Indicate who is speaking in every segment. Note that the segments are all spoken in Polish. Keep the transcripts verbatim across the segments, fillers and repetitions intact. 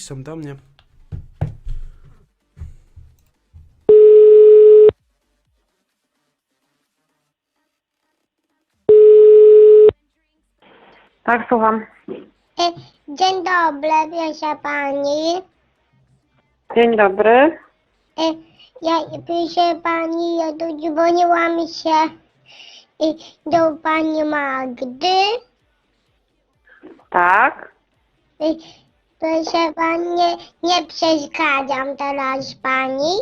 Speaker 1: piszą do mnie.
Speaker 2: Tak, słucham.
Speaker 3: E, Dzień dobry, proszę pani.
Speaker 2: Dzień dobry.
Speaker 3: E, Ja, proszę pani, ja tu dzwoniłam się e, do pani Magdy.
Speaker 2: Tak.
Speaker 3: E, Proszę pani, nie, nie przeszkadzam teraz pani.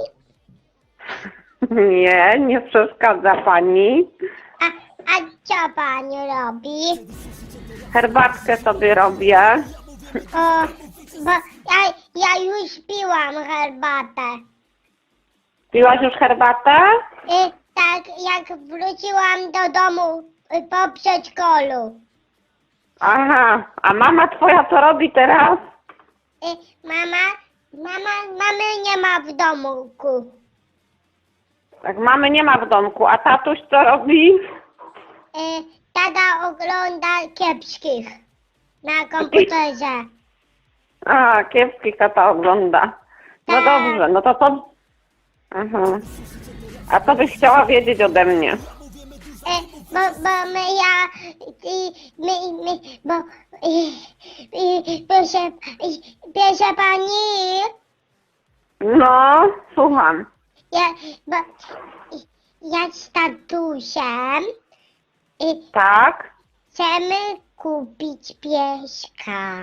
Speaker 2: Nie, nie przeszkadza pani.
Speaker 3: A, a co pani robi?
Speaker 2: Herbatkę sobie robię.
Speaker 3: O, bo ja, ja już piłam herbatę.
Speaker 2: Piłaś już herbatę?
Speaker 3: E, Tak, jak wróciłam do domu e, po przedszkolu.
Speaker 2: Aha, a mama twoja co robi teraz?
Speaker 3: E, Mama, mama, mamy nie ma w domku.
Speaker 2: Tak, mamy nie ma w domku, a tatuś co robi?
Speaker 3: E, Tata ogląda kiepskich na komputerze.
Speaker 2: A, kiepski tata ogląda. No
Speaker 3: Tak.
Speaker 2: dobrze, no to co? Aha. A co byś chciała wiedzieć ode mnie?
Speaker 3: E, bo, bo my ja, i, my, my, bo, i, i, proszę, i, proszę pani,
Speaker 2: No, słucham.
Speaker 3: ja, bo, i, ja z tatusiem i
Speaker 2: Tak?
Speaker 3: chcemy kupić pieska.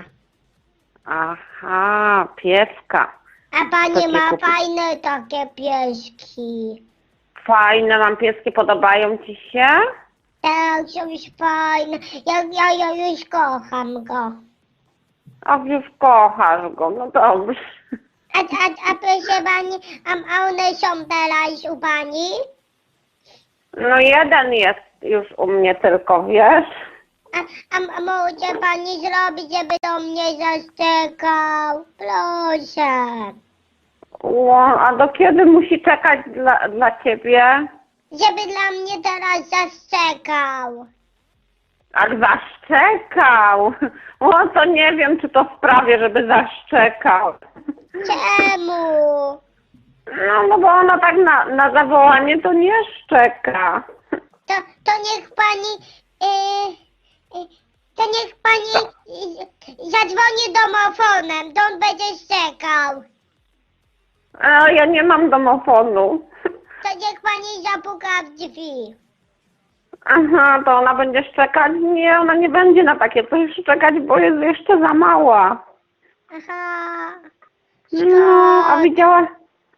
Speaker 2: Aha, pieska.
Speaker 3: A pani
Speaker 2: Takie
Speaker 3: ma
Speaker 2: kupić.
Speaker 3: fajne takie pieski.
Speaker 2: Fajne mam pieski, podobają ci się?
Speaker 3: Tak, są już fajne. Ja, ja, ja już kocham go.
Speaker 2: A już kochasz go, no dobrze.
Speaker 3: A, a, a proszę pani, a, a one są teraz u pani?
Speaker 2: No jeden jest już u mnie tylko, wiesz?
Speaker 3: A, a, a może pani zrobić, żeby do mnie zaszczekał? Proszę.
Speaker 2: O, a do kiedy musi czekać dla, dla ciebie?
Speaker 3: Żeby dla mnie teraz zaszczekał.
Speaker 2: Ach, zaszczekał. O, to nie wiem, czy to sprawię, żeby zaszczekał.
Speaker 3: Czemu?
Speaker 2: No, no bo ona tak na, na zawołanie to nie szczeka.
Speaker 3: To, to niech pani... Yy, yy, to niech pani yy, zadzwoni domofonem, to on będzie szczekał.
Speaker 2: A ja nie mam domofonu.
Speaker 3: To niech pani zapuka w drzwi.
Speaker 2: Aha, to ona będzie szczekać? Nie, ona nie będzie na takie coś szczekać, bo jest jeszcze za mała.
Speaker 3: Aha.
Speaker 2: No, a
Speaker 3: Szkoda.
Speaker 2: widziałaś...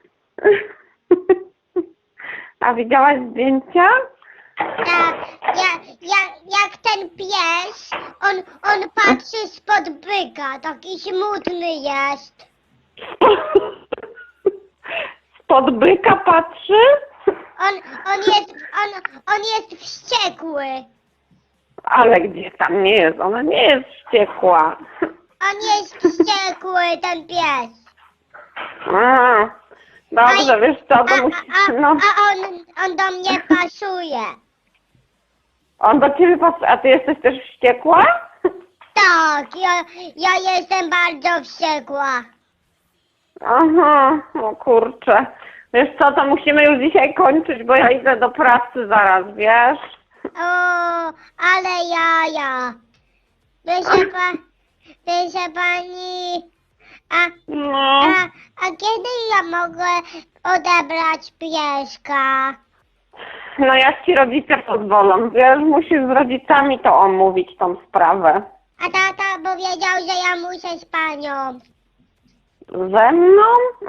Speaker 2: A widziałaś zdjęcia?
Speaker 3: Tak, ja, ja, jak ten pies, on, on patrzy spod byka, taki smutny jest.
Speaker 2: Spod byka patrzy?
Speaker 3: On, on jest, on, on jest wściekły.
Speaker 2: Ale gdzie tam nie jest? Ona nie jest wściekła.
Speaker 3: On jest wściekły, ten pies.
Speaker 2: A, dobrze,
Speaker 3: A-
Speaker 2: wiesz co,
Speaker 3: A,
Speaker 2: to
Speaker 3: a,
Speaker 2: musi...
Speaker 3: a,
Speaker 2: No,
Speaker 3: a on, on do mnie pasuje.
Speaker 2: on do ciebie patrzy, a ty jesteś też wściekła?
Speaker 3: Tak, ja, ja jestem bardzo wściekła.
Speaker 2: Aha, no kurczę. Wiesz co, to musimy już dzisiaj kończyć, bo ja idę do pracy zaraz, wiesz?
Speaker 3: O, ale jaja. Proszę, pa, proszę pani, a,
Speaker 2: No,
Speaker 3: a, a kiedy ja mogę odebrać pieska?
Speaker 2: no jak ci rodzice pozwolą, wiesz, musisz z rodzicami to omówić, tą sprawę.
Speaker 3: A tata powiedział, że ja muszę z panią.
Speaker 2: Ze mną?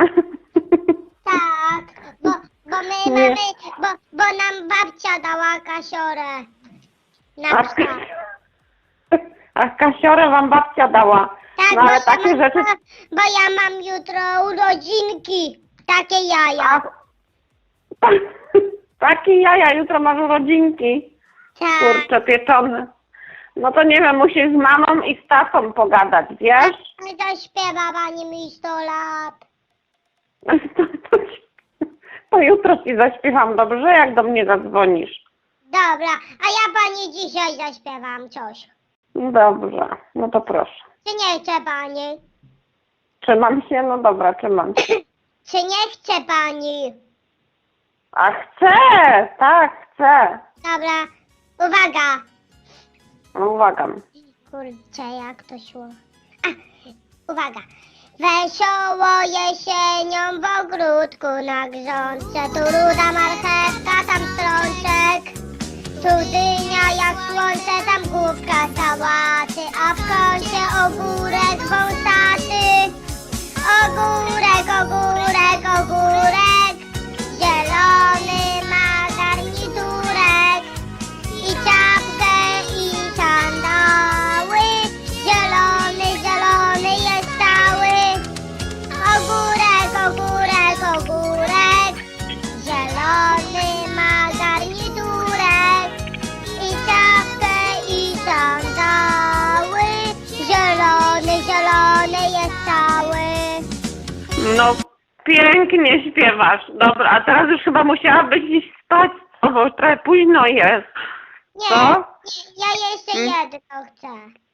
Speaker 3: Tak, bo, bo my
Speaker 2: Nie.
Speaker 3: mamy, bo, bo nam babcia dała kasiorę. Na
Speaker 2: A,
Speaker 3: psa.
Speaker 2: a kasiorę wam babcia dała.
Speaker 3: Tak,
Speaker 2: No
Speaker 3: bo,
Speaker 2: ale
Speaker 3: ja
Speaker 2: takie
Speaker 3: mam,
Speaker 2: rzeczy...
Speaker 3: bo, bo ja mam jutro urodzinki. Takie jaja.
Speaker 2: A, takie jaja, jutro masz urodzinki.
Speaker 3: Tak.
Speaker 2: Kurczę, pieczone. No to nie wiem, musisz z mamą i z tatą pogadać, wiesz?
Speaker 3: A zaśpiewa pani mi sto lat.
Speaker 2: To, to, to jutro ci zaśpiewam, dobrze? Jak do mnie zadzwonisz.
Speaker 3: Dobra, a ja pani dzisiaj zaśpiewam coś.
Speaker 2: Dobrze, no to proszę.
Speaker 3: Czy nie chce pani?
Speaker 2: Trzymam się? No dobra, trzymam się.
Speaker 3: Czy nie chce pani?
Speaker 2: A chcę! Tak, chcę.
Speaker 3: Dobra, uwaga.
Speaker 2: No uwaga.
Speaker 3: Kurczę, jak to szło? A, uwaga. Wesoło jesienią w ogródku na grządce, tu ruda marchewka, tam strączek, tu dynia jak słońce, tam główka sałaty, a w kącie ogórek wąsaty. Ogórek, ogórek, ogórek, zielony ma garniturek i czapkę i sandały, zielony, zielony jest cały. Ogórek, ogórek, ogórek, zielony ma garniturek i czapkę i sandały, zielony, zielony jest cały.
Speaker 2: No pięknie śpiewasz. Dobra, a teraz już chyba musiałabyś iść spać, bo już trochę późno jest.
Speaker 3: Nie,
Speaker 2: Co?
Speaker 3: nie, ja jeszcze
Speaker 2: Hmm?
Speaker 3: jedno chcę.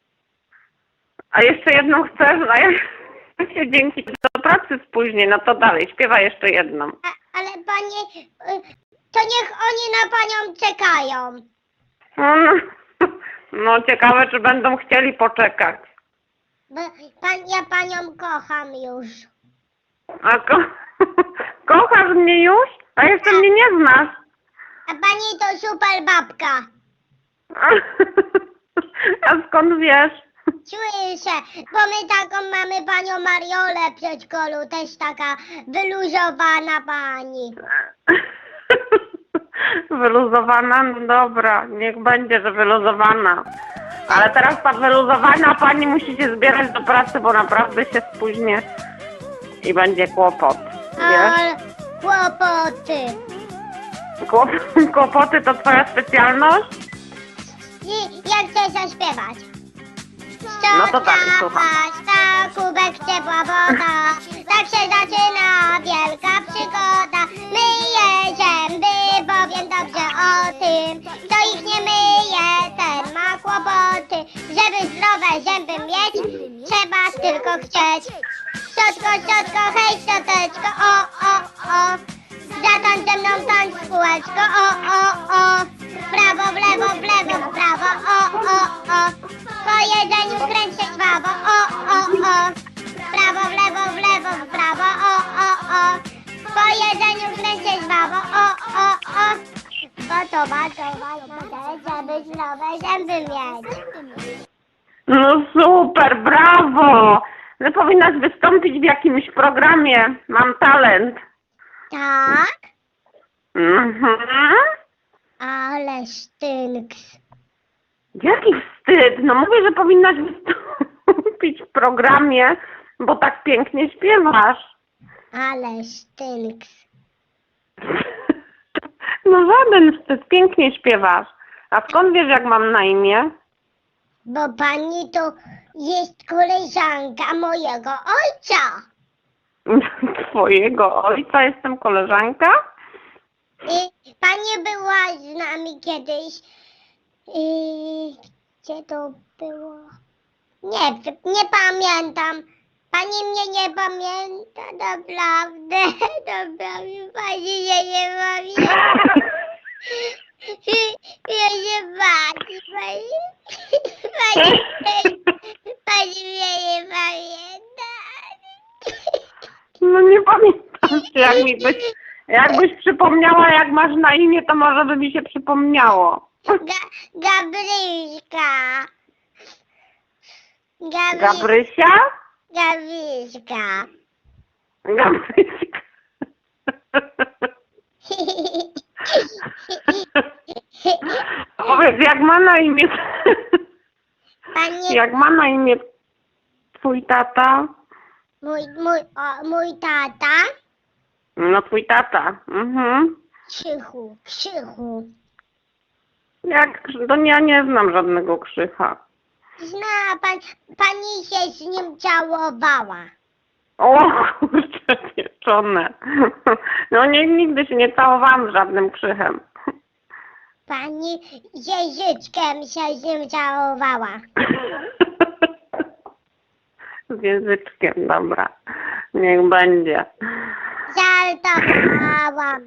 Speaker 2: A jeszcze jedną chcesz? A ja się dzięki do pracy spóźnię. No to dalej, śpiewaj jeszcze jedną.
Speaker 3: A, ale panie, y, to niech oni na panią czekają.
Speaker 2: Mm, No ciekawe, czy będą chcieli poczekać.
Speaker 3: Bo pan, ja panią kocham już.
Speaker 2: A ko kochasz mnie już? A jeszcze mnie nie znasz.
Speaker 3: A pani to super babka.
Speaker 2: A skąd wiesz?
Speaker 3: Słyszę, bo my taką mamy panią Mariolę w przedszkolu, też taka wyluzowana pani.
Speaker 2: Wyluzowana? No dobra, niech będzie, że wyluzowana. Ale teraz ta wyluzowana pani musi się zbierać do pracy, bo naprawdę się spóźnię i będzie kłopot. Wiesz?
Speaker 3: Ale kłopoty.
Speaker 2: Kłop kłopoty to twoja specjalność?
Speaker 3: I jak chcę zaśpiewać?
Speaker 2: No to dalej, słucham.
Speaker 3: Ta kubek ciepła woda, tak się zaczyna wielka przygoda. Myję zęby, powiem dobrze o tym, kto ich nie myje, ten ma kłopoty. Żeby zdrowe zęby mieć, trzeba tylko chcieć. Szczotko, szczotko, hej szczoteczko, o, o, o. Zatańcz ze mną tańcz w kółeczko, o, o, o. W prawo, w lewo, w lewo, w prawo, o, o, o. Po jedzeniu kręć się żwawo, o, o, o. W prawo, w lewo, w lewo, w prawo, o, o, o. Po jedzeniu kręć się żwawo, o, o, o. Bo to bardzo ważne, żeby zdrowe zęby mieć.
Speaker 2: No super, brawo! No powinnaś wystąpić w jakimś programie. Mam talent.
Speaker 3: Tak?
Speaker 2: Mhm.
Speaker 3: Ale sztynks.
Speaker 2: Jaki wstyd! No mówię, że powinnaś wystąpić w programie, bo tak pięknie śpiewasz.
Speaker 3: Ale sztynks.
Speaker 2: No żaden wstyd, pięknie śpiewasz. A skąd wiesz, jak mam na imię?
Speaker 3: Bo pani to jest koleżanka mojego ojca.
Speaker 2: Twojego ojca jestem koleżanka?
Speaker 3: I pani była z nami kiedyś. I gdzie to było? Nie, nie pamiętam. Pani mnie nie pamięta, naprawdę. Naprawdę, pani się nie pamięta. Ja się pani, pani, pani, pani mnie nie pamięta.
Speaker 2: No nie pamiętam się, jak mi byś, jakbyś przypomniała, jak masz na imię, to może by mi się przypomniało.
Speaker 3: Ga, Gabryśka. Gabry,
Speaker 2: Gabrysia?
Speaker 3: Gabryśka.
Speaker 2: Gabryśka. Powiedz, jak ma na imię...
Speaker 3: Panie,
Speaker 2: Jak ma na imię twój tata?
Speaker 3: mój, mój, o, mój tata.
Speaker 2: No twój tata. Mhm.
Speaker 3: Krzychu, Krzychu.
Speaker 2: Jak, to ja nie znam żadnego Krzycha.
Speaker 3: Zna pan, pani się z nim całowała.
Speaker 2: O kurczę, pieczone. No nie, nigdy się nie całowałam z żadnym Krzychem.
Speaker 3: Pani Jeżyczkiem się z nim całowała.
Speaker 2: Z języczkiem, dobra. Niech będzie.
Speaker 3: Żartowałam.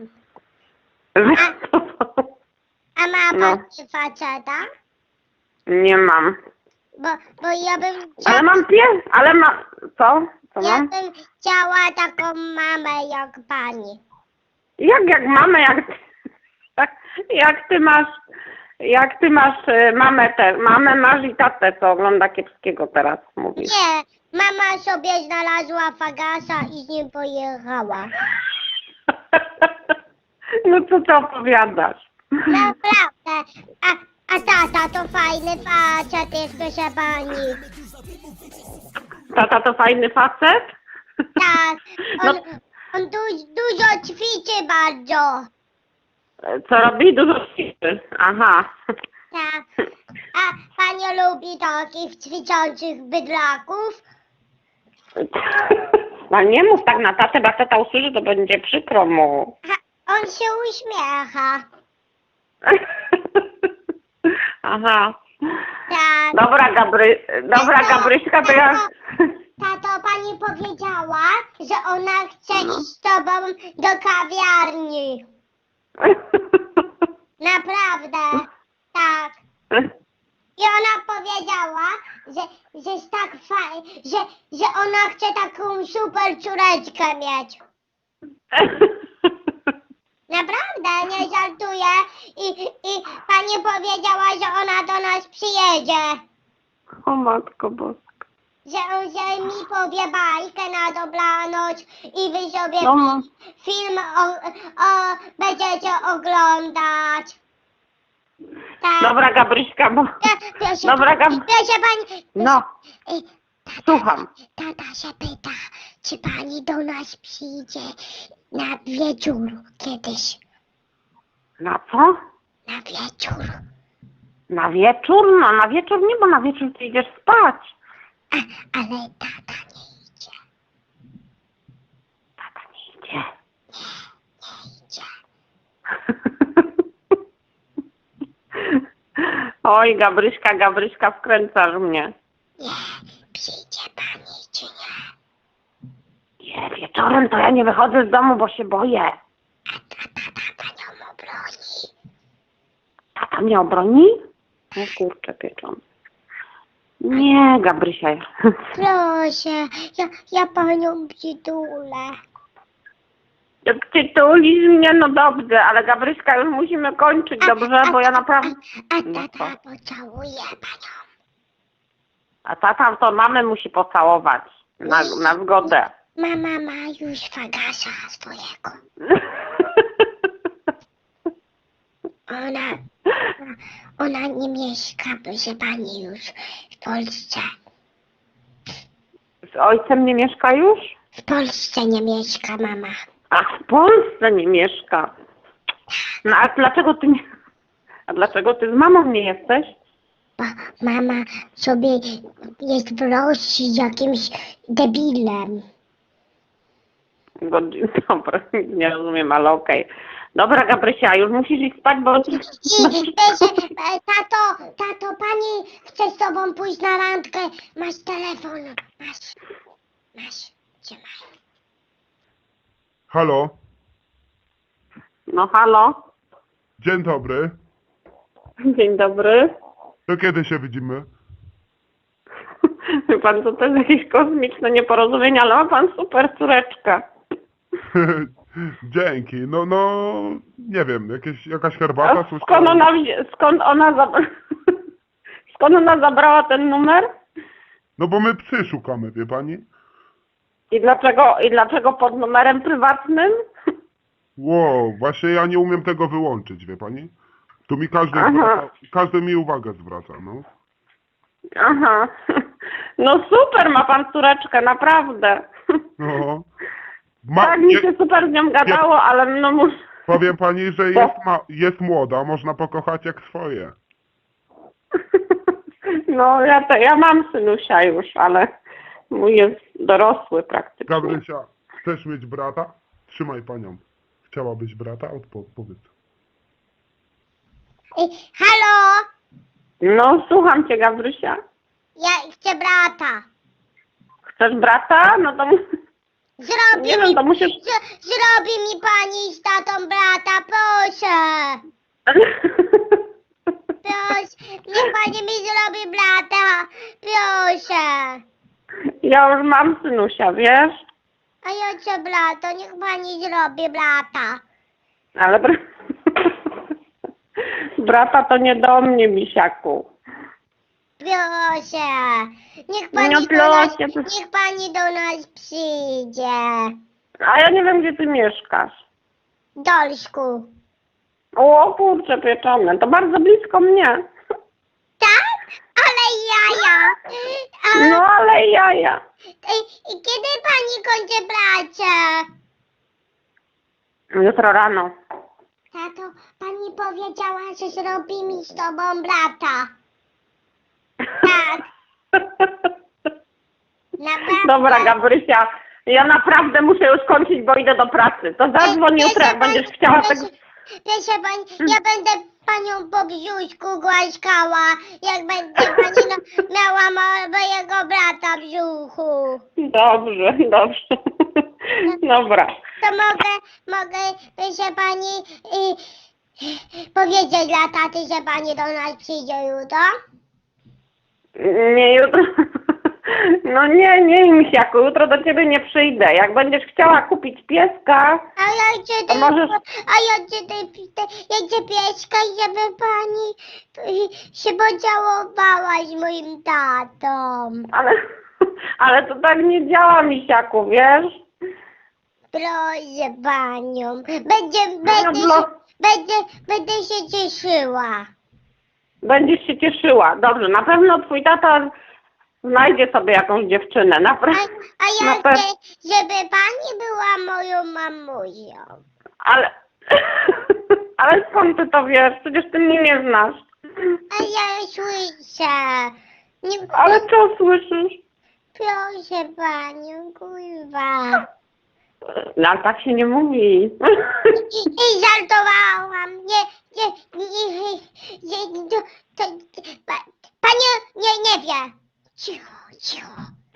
Speaker 3: A ma
Speaker 2: No.
Speaker 3: pan faceta?
Speaker 2: Nie mam.
Speaker 3: Bo, bo ja bym
Speaker 2: Ale
Speaker 3: chciała,
Speaker 2: mam pies, ale ma... Co? Co
Speaker 3: ja
Speaker 2: mam?
Speaker 3: bym chciała taką mamę jak pani.
Speaker 2: Jak, jak mamy, jak... Jak ty masz... Jak ty masz y, mamę te, mamę masz i tatę, co ogląda kiepskiego teraz, mówisz.
Speaker 3: Nie, mama sobie znalazła fagasa i z nim pojechała.
Speaker 2: No co ty opowiadasz?
Speaker 3: Naprawdę. A, a tata to fajny facet jest, proszę pani.
Speaker 2: Tata to fajny facet?
Speaker 3: Tak, on,
Speaker 2: No.
Speaker 3: on du, dużo ćwiczy bardzo.
Speaker 2: Co robi? Dużo ćwiczy. Aha.
Speaker 3: Tak. A pani lubi takich ćwiczących bydlaków?
Speaker 2: No nie mów tak na tatę, bo jak tata usłyszy, to będzie przykro mu.
Speaker 3: A on się uśmiecha.
Speaker 2: Aha.
Speaker 3: Tak.
Speaker 2: Dobra, Gabry... Dobra,
Speaker 3: Tato,
Speaker 2: Gabryśka, to ja...
Speaker 3: Tato, pani powiedziała, że ona chce iść z tobą do kawiarni. Naprawdę. Tak. I ona powiedziała, że, że jest tak fajnie, że, że ona chce taką super córeczkę mieć. Naprawdę, nie żartuję. I, i pani powiedziała, że ona do nas przyjedzie.
Speaker 2: O Matko Boska.
Speaker 3: Że on że mi powie bajkę na dobranoc i wy sobie
Speaker 2: No, no.
Speaker 3: film o, o, będziecie oglądać. Tak.
Speaker 2: Dobra, Gabryśka, bo...
Speaker 3: Ja- Proszę,
Speaker 2: Dobra,
Speaker 3: pani,
Speaker 2: Gab...
Speaker 3: proszę pani.
Speaker 2: No,
Speaker 3: Ej, tata,
Speaker 2: słucham.
Speaker 3: tata się pyta, czy pani do nas przyjdzie na wieczór kiedyś.
Speaker 2: Na co?
Speaker 3: Na wieczór.
Speaker 2: Na wieczór? No na wieczór nie, bo na wieczór ty idziesz spać.
Speaker 3: A, ale tata nie idzie.
Speaker 2: Tata nie idzie.
Speaker 3: Nie idzie.
Speaker 2: Oj, Gabryśka, Gabryśka, wkręcasz mnie.
Speaker 3: Nie, przyjdzie pani czy nie?
Speaker 2: Nie, wieczorem to ja nie wychodzę z domu, bo się boję.
Speaker 3: A tata panią obroni.
Speaker 2: Tata mnie obroni? No kurczę, pieczony. Nie, Gabrysia.
Speaker 3: Proszę, ja, ja panią przytulę.
Speaker 2: Jak ty tulisz mnie, no dobrze, ale Gabryśka, już musimy kończyć, dobrze? Bo ja naprawdę...
Speaker 3: A, a
Speaker 2: No
Speaker 3: tata
Speaker 2: co?
Speaker 3: pocałuje panią.
Speaker 2: A tata to mamę musi pocałować. Na, na zgodę.
Speaker 3: Mama ma już fagasa swojego. Ona, ona nie mieszka, proszę pani, już w Polsce.
Speaker 2: Z ojcem nie mieszka już?
Speaker 3: W Polsce nie mieszka mama.
Speaker 2: A w Polsce nie mieszka. No a dlaczego ty nie... A dlaczego ty z mamą nie jesteś?
Speaker 3: Bo mama sobie jest w Rosji jakimś debilem.
Speaker 2: Godzin, dobra, nie rozumiem, ale okej. Dobra, Gabrysia, już musisz iść spać, bo...
Speaker 3: I proszę, e, tato, tato, pani chce z tobą pójść na randkę. Masz telefon, masz, masz, trzymaj.
Speaker 1: Halo,
Speaker 2: No halo?
Speaker 1: dzień dobry.
Speaker 2: Dzień dobry.
Speaker 1: To kiedy się widzimy?
Speaker 2: Wie pan, co to jest jakieś kosmiczne nieporozumienie, ale ma pan super córeczkę.
Speaker 1: Dzięki. No, no, nie wiem, jakieś, jakaś herbata?
Speaker 2: A skąd
Speaker 1: słyszałem.
Speaker 2: ona, wzi- skąd ona, zab- skąd ona zabrała ten numer?
Speaker 1: No bo my psy szukamy, wie pani?
Speaker 2: I dlaczego, i dlaczego pod numerem prywatnym?
Speaker 1: Wow, właśnie ja nie umiem tego wyłączyć, wie pani? Tu mi każdy
Speaker 2: Aha.
Speaker 1: zwraca, każdy mi uwagę zwraca, no.
Speaker 2: Aha. No super, ma pan córeczkę, naprawdę.
Speaker 1: No. Ma,
Speaker 2: Tak mi
Speaker 1: je,
Speaker 2: się super z nią gadało, ale no muszę...
Speaker 1: powiem pani, że jest, ma, jest młoda, można pokochać jak swoje.
Speaker 2: No ja, to, ja mam synusia już, ale mój jest dorosły praktycznie.
Speaker 1: Gabrysia, chcesz mieć brata? Trzymaj panią. Chciałabyś brata? Odpo- powiedz.
Speaker 3: Ej, halo,
Speaker 2: No słucham cię, Gabrysia.
Speaker 3: ja chcę brata.
Speaker 2: Chcesz brata? No to...
Speaker 3: Zrobi
Speaker 2: Nie
Speaker 3: mi,
Speaker 2: wiem, to musisz...
Speaker 3: z, zrobi mi pani z tatą brata, proszę. Proszę, niech pani mi zrobi brata, proszę.
Speaker 2: Ja już mam synusia, wiesz?
Speaker 3: A ja chcę brata, niech pani zrobi brata.
Speaker 2: Ale... br- Brata to nie do mnie, misiaku.
Speaker 3: Proszę, niech pani,
Speaker 2: No
Speaker 3: do nas,
Speaker 2: proszę, to-
Speaker 3: niech pani do nas przyjdzie.
Speaker 2: A ja nie wiem, gdzie ty mieszkasz.
Speaker 3: Dolsku.
Speaker 2: O kurczę pieczone, to bardzo blisko mnie.
Speaker 3: Tak? Ale jaja. A,
Speaker 2: No ale jaja.
Speaker 3: i, I kiedy pani kończy pracę?
Speaker 2: Jutro rano.
Speaker 3: Tato, pani powiedziała, że zrobi mi z tobą brata. Tak. Naprawdę.
Speaker 2: Dobra, Gabrysia, ja naprawdę muszę już kończyć, bo idę do pracy. To zadzwoń jutro, jak będziesz chciała tego...
Speaker 3: Proszę pani, ja będę panią po brzuszku głaskała, jak będzie pani no, miała mo- mojego brata w brzuchu.
Speaker 2: Dobrze, dobrze. Dobra.
Speaker 3: To mogę, mogę, proszę pani, y, powiedzieć dla taty, że pani do nas przyjdzie jutro?
Speaker 2: Nie jutro. No nie, nie, misiaku, jutro do ciebie nie przyjdę. Jak będziesz chciała kupić pieska,
Speaker 3: A ja chcę,
Speaker 2: To możesz-
Speaker 3: a ja chcę, te, te, ja chcę pieska, żeby pani y, się podziałowała z moim tatą.
Speaker 2: ale, ale to tak nie działa, misiaku, wiesz?
Speaker 3: Proszę panią, będzie,
Speaker 2: No,
Speaker 3: będę,
Speaker 2: no.
Speaker 3: się, będę, będę się cieszyła.
Speaker 2: Będziesz się cieszyła. Dobrze, na pewno twój tata znajdzie sobie jakąś dziewczynę.
Speaker 3: A,
Speaker 2: Naprawdę.
Speaker 3: a
Speaker 2: Na
Speaker 3: ja
Speaker 2: pe-
Speaker 3: chcę, żeby pani była moją mamusią.
Speaker 2: Ale, ale skąd ty to wiesz? Przecież ty mnie nie znasz.
Speaker 3: A ja słyszę. Nie,
Speaker 2: Ale co słyszysz?
Speaker 3: proszę panią, kurwa.
Speaker 2: No, ale tak się nie mówi.
Speaker 3: I żartowałam. Nie, nie, nie, nie, nie to, to, pa, pani nie, nie wie. Cicho, cicho.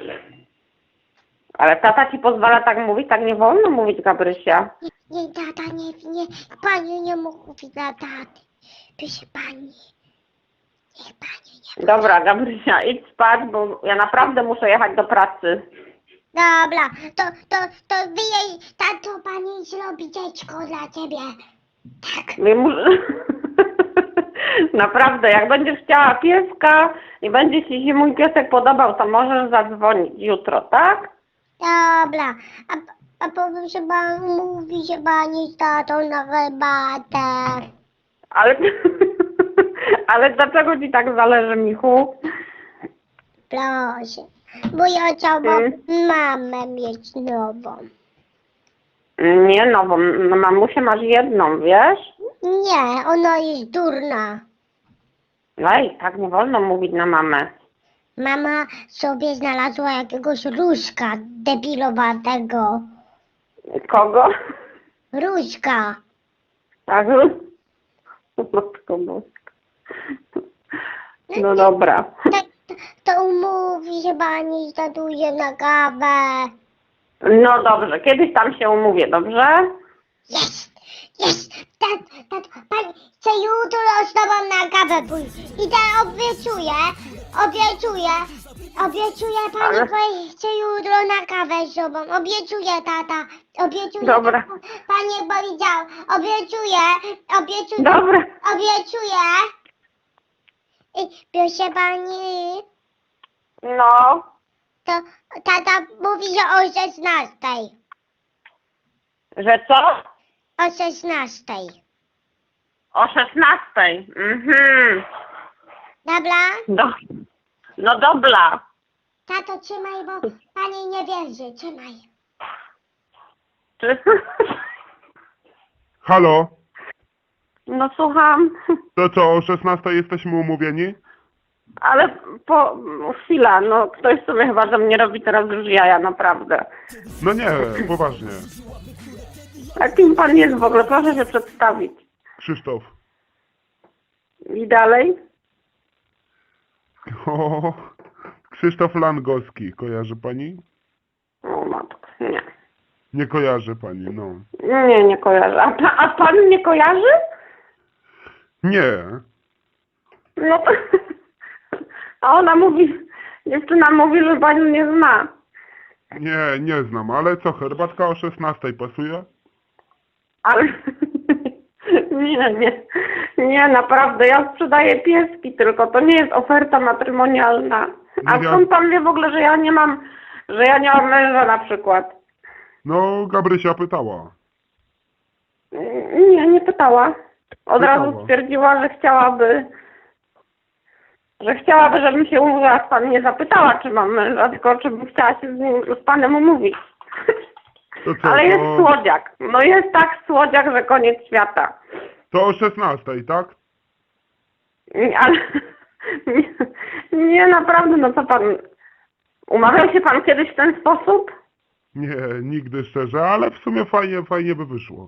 Speaker 2: Ale tata ci pozwala tak mówić? Tak nie wolno mówić, Gabrysia.
Speaker 3: Nie, nie, tata, nie, nie, pani nie mówi dla taty. Proszę pani. Niech pani nie.
Speaker 2: Dobra, Gabrysia, idź spać, bo ja naprawdę muszę jechać do pracy.
Speaker 3: Dobra, to, to, to wy jej, tato, pani zrobi dziecko dla ciebie. Tak.
Speaker 2: Ja muszę... Naprawdę, jak będziesz chciała pieska i będzie ci się mój piesek podobał, to możesz zadzwonić jutro, tak?
Speaker 3: Dobra, a, a powiem, że pan mówi, że pani z tatą na herbatę.
Speaker 2: Ale... Ale dlaczego ci tak zależy, Michu?
Speaker 3: Proszę, bo ja chciałam
Speaker 2: Mm.
Speaker 3: mamę mieć nową.
Speaker 2: Nie, no bo no, mamusię masz jedną, wiesz?
Speaker 3: Nie, ona jest durna.
Speaker 2: Ej, tak nie wolno mówić na mamę.
Speaker 3: Mama sobie znalazła jakiegoś różka debilowatego.
Speaker 2: Kogo?
Speaker 3: Różka.
Speaker 2: Tak? Matko boska. No dobra.
Speaker 3: To, to, to umówi się pani z tatujem na kawę.
Speaker 2: No dobrze, kiedyś tam się umówię, dobrze?
Speaker 3: Jest, jest, tak, tak, pani chce jutro z tobą na kawę pójść. I tak obiecuję, obiecuję, obiecuję pani,
Speaker 2: Ale-
Speaker 3: pani chce jutro na kawę z tobą. Obiecuję, tata, obiecuję.
Speaker 2: Dobra.
Speaker 3: tak, Pani powiedział, obiecuję, obiecuję,
Speaker 2: Dobra.
Speaker 3: obiecuję. I proszę pani,
Speaker 2: No.
Speaker 3: to tata mówi, że o szesnastej.
Speaker 2: Że co?
Speaker 3: O szesnastej.
Speaker 2: O szesnastej. Mhm.
Speaker 3: Dobra?
Speaker 2: Do... No dobra.
Speaker 3: Tato, trzymaj, bo pani nie wierzy. Trzymaj.
Speaker 2: Czy...
Speaker 1: Halo?
Speaker 2: No słucham.
Speaker 1: To co, o szesnastej jesteśmy umówieni?
Speaker 2: Ale po... Chwila, no ktoś sobie chyba ze mnie robi teraz już jaja, naprawdę.
Speaker 1: No nie, poważnie.
Speaker 2: A kim pan jest w ogóle? Proszę się przedstawić.
Speaker 1: Krzysztof.
Speaker 2: I dalej?
Speaker 1: O, Krzysztof Langowski, kojarzy pani?
Speaker 2: O matko, nie.
Speaker 1: Nie kojarzy pani, no.
Speaker 2: Nie, nie kojarzę. A, pa, a pan nie kojarzy?
Speaker 1: Nie.
Speaker 2: No to... A ona mówi, dziewczyna mówi, że pani nie zna.
Speaker 1: Nie, nie znam, ale co, herbatka o szesnastej pasuje?
Speaker 2: Ale... Nie, nie. Nie, naprawdę, ja sprzedaję pieski tylko, to nie jest oferta matrymonialna. A
Speaker 1: No ja-
Speaker 2: skąd pan wie w ogóle, że ja nie mam, że ja nie mam męża na przykład?
Speaker 1: No, Gabrysia pytała.
Speaker 2: Nie, nie pytała. Od
Speaker 1: Pytała.
Speaker 2: razu stwierdziła, że chciałaby, że chciałaby, żebym się umówiła z panem. Nie zapytała, czy mam męża, tylko czy bym chciała się z nim, z panem umówić.
Speaker 1: To co,
Speaker 2: Ale jest
Speaker 1: to,
Speaker 2: słodziak. No jest tak słodziak, że koniec świata.
Speaker 1: to o szesnastej, tak?
Speaker 2: Nie, ale... Nie, nie, naprawdę, no co pan... Umawiał się pan kiedyś w ten sposób?
Speaker 1: Nie, nigdy szczerze, ale w sumie fajnie, fajnie by wyszło.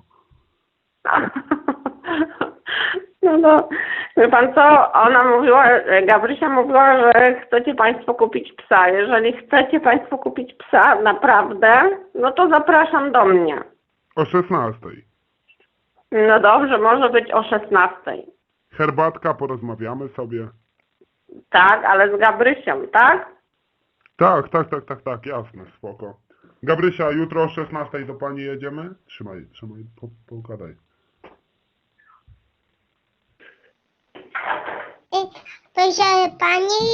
Speaker 2: No to, wie pan co, ona mówiła, Gabrysia mówiła, że chcecie państwo kupić psa. Jeżeli chcecie państwo kupić psa, naprawdę, no to zapraszam do mnie.
Speaker 1: O szesnastej.
Speaker 2: No dobrze, może być o szesnastej.
Speaker 1: Herbatka, porozmawiamy sobie.
Speaker 2: Tak, ale z Gabrysią, tak?
Speaker 1: Tak, tak, tak, tak, tak, jasne, spoko. Gabrysia, jutro o szesnastej do pani jedziemy? Trzymaj, trzymaj, po, pogadaj.
Speaker 3: Y, Proszę pani,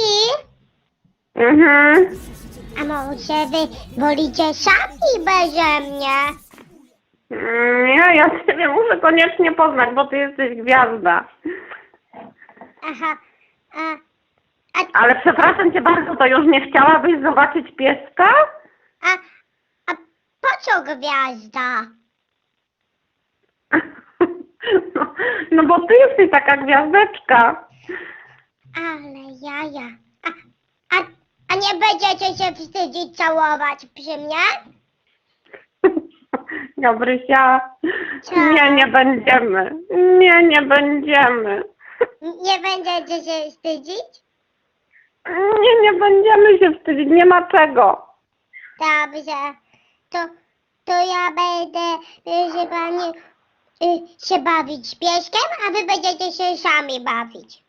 Speaker 2: Mhm.
Speaker 3: a może wy wolicie sami beze mnie?
Speaker 2: Nie, ja ciebie muszę koniecznie poznać, bo ty jesteś gwiazda.
Speaker 3: Aha, a, a,
Speaker 2: Ale przepraszam cię bardzo, to już nie chciałabyś zobaczyć pieska?
Speaker 3: a, a po co gwiazda?
Speaker 2: No, no bo ty jesteś taka gwiazdeczka.
Speaker 3: Ale jaja. A, a, a nie będziecie się wstydzić całować przy mnie?
Speaker 2: Gabrysia,
Speaker 3: Co?
Speaker 2: nie, nie będziemy. Nie, nie będziemy.
Speaker 3: Nie będziecie się wstydzić?
Speaker 2: Nie, nie będziemy się wstydzić, nie ma czego.
Speaker 3: Dobrze. To, to ja będę, proszę pani, y, się bawić pieskiem, a wy będziecie się sami bawić.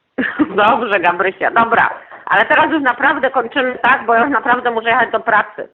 Speaker 2: Dobrze, Gabrysia, dobra. Ale teraz już naprawdę kończymy, tak? Bo ja już naprawdę muszę jechać do pracy.